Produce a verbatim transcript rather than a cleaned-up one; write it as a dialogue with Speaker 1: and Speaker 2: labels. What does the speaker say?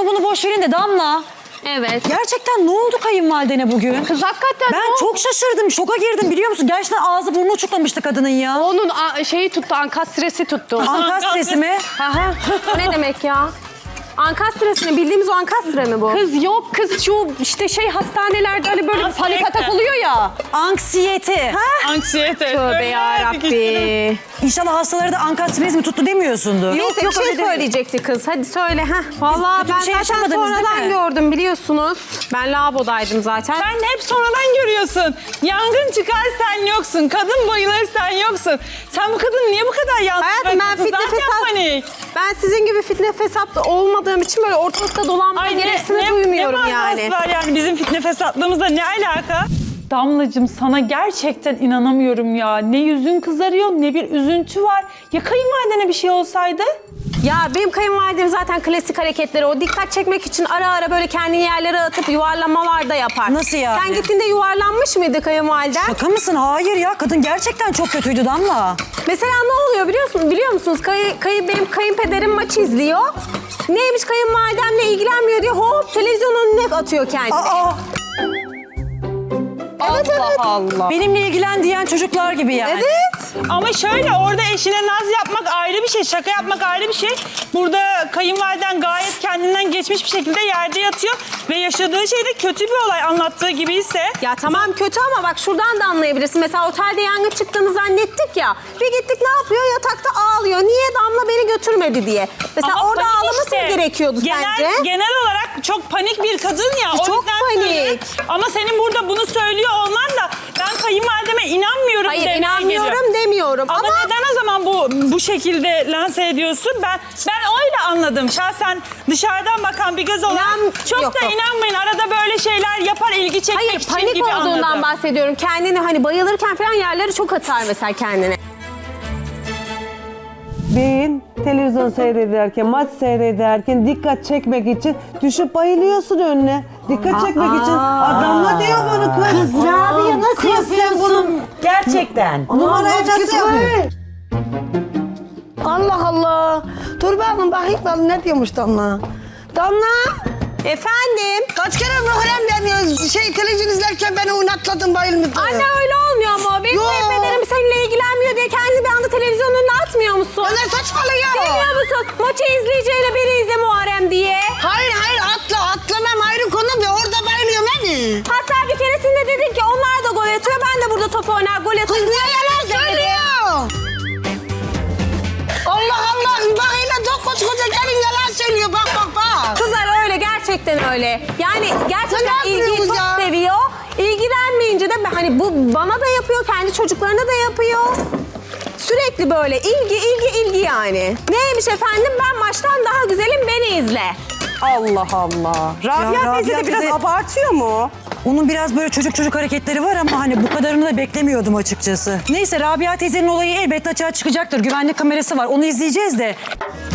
Speaker 1: onu bunu boş verin de Damla.
Speaker 2: Evet.
Speaker 1: Gerçekten ne oldu kayınvalidene bugün?
Speaker 2: Kız hakikaten
Speaker 1: Ben
Speaker 2: ne
Speaker 1: çok şaşırdım, şoka girdim biliyor musun? Gerçekten ağzı burnu uçuklamıştı kadının ya.
Speaker 2: Onun a- şeyi tuttu, ankastresi tuttu.
Speaker 1: Ankastresi mi?
Speaker 2: Aha. O ne demek ya? Ankastre mi? Bildiğimiz o ankastre mi bu? Kız yok, kız şu işte şey hastanelerde hani böyle bir panik atak oluyor ya.
Speaker 1: Anksiyete.
Speaker 3: Anksiyete.
Speaker 2: Tövbe yarabbi.
Speaker 1: İnşallah hastaları da ankastrezi mi tuttu demiyorsundur.
Speaker 2: Neyse bir şey
Speaker 1: öyle değil.
Speaker 2: söyleyecekti kız. Hadi söyle. Heh. Vallahi
Speaker 1: kötü bir
Speaker 2: ben
Speaker 1: şey
Speaker 2: zaten
Speaker 1: yaşamadınız değil
Speaker 2: sonradan
Speaker 1: mi?
Speaker 2: gördüm biliyorsunuz. Ben lavabodaydım zaten.
Speaker 3: Sen hep sonradan görüyorsun. Yangın çıkar sen yoksun. Kadın bayılır sen yoksun. Sen bu kadın niye bu kadar yalnız
Speaker 2: Hayatım ben
Speaker 3: bırakıyorsun?
Speaker 2: fitne
Speaker 3: Zaten
Speaker 2: fesat...
Speaker 3: panik.
Speaker 2: Ben sizin gibi fitne fesat olmadığım için böyle ortalıkta dolanmaya
Speaker 3: Ay ne,
Speaker 2: gereksinim
Speaker 3: ne,
Speaker 2: duymuyorum
Speaker 3: ne
Speaker 2: yani.
Speaker 3: var yani bizim fitne fesatlığımızla ne alaka? Damlacığım sana gerçekten inanamıyorum ya. Ne yüzün kızarıyor ne bir üzüntü var. Ya kayınvalidene bir şey olsaydı?
Speaker 2: Ya benim kayınvalidem zaten klasik hareketleri o dikkat çekmek için ara ara böyle kendini yerlere atıp yuvarlamalar da yapar.
Speaker 1: Nasıl yani?
Speaker 2: Sen gittiğinde yuvarlanmış mıydı kayınvaliden?
Speaker 1: Şaka mısın? Hayır ya. Kadın gerçekten çok kötüydü Damla.
Speaker 2: Mesela ne oluyor biliyor musun? Biliyor musunuz? Kayı, kayı, benim kayınpederim maçı izliyor. Neymiş kayınvalidemle ilgilenmiyor diye hop televizyonun önüne atıyor kendini.
Speaker 1: Aa,
Speaker 2: Evet evet.
Speaker 3: Allah.
Speaker 1: benimle ilgilen diyen çocuklar gibi yani.
Speaker 2: Evet.
Speaker 3: Ama şöyle orada eşine naz yapmak ayrı bir şey, şaka yapmak ayrı bir şey. Burada kayınvaliden gayet kendinden geçmiş bir şekilde yerde yatıyor ve yaşadığı şey de kötü bir olay anlattığı gibi ise.
Speaker 2: Ya tamam kötü ama bak şuradan da anlayabilirsin. Mesela otelde yangın çıktığını zannettik ya. Bir gittik ne yapıyor? Yatakta ağlıyor. Niye Damla beni götürmedi diye. Mesela
Speaker 3: Ama
Speaker 2: orada
Speaker 3: panik
Speaker 2: ağlaması
Speaker 3: işte.
Speaker 2: mı gerekiyordu
Speaker 3: genel,
Speaker 2: sence?
Speaker 3: Genel olarak çok panik bir kadın ya. O
Speaker 2: Çok
Speaker 3: yüzden
Speaker 2: panik.
Speaker 3: söylüyorum. Ama senin burada bunu söylüyor olman da ben kayınvalideme inanmıyorum.
Speaker 2: Hayır
Speaker 3: demeye
Speaker 2: inanmıyorum
Speaker 3: geliyor.
Speaker 2: demiyorum
Speaker 3: Ama,
Speaker 2: ama...
Speaker 3: neden o zaman bu bu şekilde lanse ediyorsun? Ben ben öyle anladım. Şahsen dışarıdan bakan bir göz olarak
Speaker 2: İnan-
Speaker 3: çok
Speaker 2: yok,
Speaker 3: da
Speaker 2: yok.
Speaker 3: inanmayın. Arada böyle şeyler yapar ilgi çekmek
Speaker 2: Hayır
Speaker 3: için
Speaker 2: panik
Speaker 3: gibi
Speaker 2: olduğundan
Speaker 3: anladım.
Speaker 2: bahsediyorum. Kendini hani bayılırken falan yerleri çok atar mesela kendine.
Speaker 4: Beyin televizyon seyrederken, maç seyrederken dikkat çekmek için düşüp bayılıyorsun önüne. Dikkat çekmek için. Adamla diyor bunu kız.
Speaker 5: Kız Rabia nasıl
Speaker 4: Kız sen
Speaker 5: yapıyorsun?
Speaker 4: bunu
Speaker 5: Gerçekten.
Speaker 4: numarayı nasıl yapıyorsun?
Speaker 5: Allah Allah. Dur bakın bakayım ben ne diyormuş Damla. Damla.
Speaker 2: Efendim?
Speaker 5: Kaç kere Muharrem ben şey televizyon izlerken beni oynatladın bayılmıştı.
Speaker 2: Anne öyle olmuyor ama. Benim
Speaker 5: Yo.
Speaker 2: kayınpederim seninle ilgilenmiyor diye kendi bir anda televizyonun önüne atmıyor musun?
Speaker 5: Ya ne saçmalıyor?
Speaker 2: Bilmiyor musun? Maçı izleyeceğine beni izle Muharrem diye.
Speaker 5: Hayır hayır atla atlamam ayrı konu ve orada bayılıyorum beni.
Speaker 2: Hatta bir keresinde dedin ki onlar da gol atıyor. Ben de burada top oynar gol
Speaker 5: Kız
Speaker 2: atarım.
Speaker 5: niye yalan söylüyor? Allah Allah bak hele çok koç koca gelin yalan söylüyor bak bak bak.
Speaker 2: Kızlar öyle gerçekten öyle. Yani gerçekten
Speaker 5: Ne
Speaker 2: ilgiyi
Speaker 5: yapıyorsunuz
Speaker 2: çok
Speaker 5: ya?
Speaker 2: seviyor. İlgilenmeyince de hani bu bana da yapıyor, kendi çocuklarına da yapıyor. Sürekli böyle ilgi ilgi ilgi yani. Neymiş efendim ben maçtan daha güzelim beni izle.
Speaker 6: Allah Allah. Rabia
Speaker 1: Ya
Speaker 6: teyze de
Speaker 1: Rabia
Speaker 6: biraz
Speaker 1: teyze-
Speaker 6: abartıyor mu?
Speaker 1: Onun biraz böyle çocuk çocuk hareketleri var ama hani bu kadarını da beklemiyordum açıkçası. Neyse Rabia teyzenin olayı elbette açığa çıkacaktır. Güvenlik kamerası var. Onu izleyeceğiz de.